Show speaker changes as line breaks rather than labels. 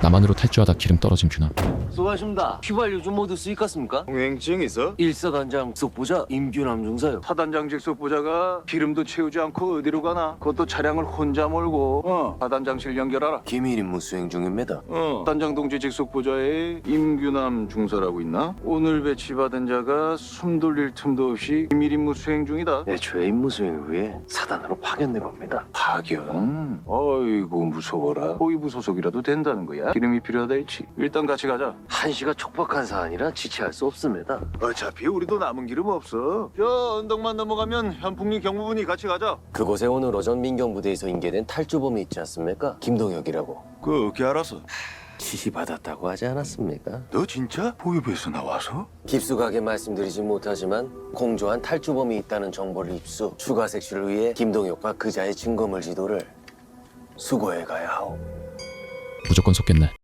남한으로 탈주하다 기름 떨어진 균함.
수고하십니다. 휘발유 좀 모두 수익갔습니까?
통행증 있어?
일사단장 속보자 임규남 중사요.
사단장직 속보자가 기름도 채우지 않고 어디로 가나? 그것도 차량을 혼자 몰고 사단장실 연결하라.
기밀 임무 수행 중입니다.
단장 동지 직속보자에 임규남 중사라고 있나? 오늘 배치받은 자가 숨 돌릴 틈도 없이 비밀 임무 수행 중이다.
애초에 임무 수행을 위해 사단으로 파견된 겁니다.
파견? 어이구 무서워라. 호위부 소속이라도 된다는 거야? 기름이 필요하다 했지. 일단 같이 가자.
한시가 촉박한 사안이라 지체할 수 없습니다.
어차피 우리도 남은 기름 없어. 저 언덕만 넘어가면 현풍리 경무분이 같이 가자.
그곳에 오늘 오전 민경부대에서 인계된 탈주범이 있지 않습니까? 김동혁이라고.
그 어떻게 알았어?
지시받았다고 하지 않았습니까?
너 진짜 호위부에서 나와서?
깊숙하게 말씀드리진 못하지만 공조한 탈주범이 있다는 정보를 입수, 추가 색출을 위해 김동혁과 그자의 증거물 지도를 수거해 가야 하오.
무조건 속겠네.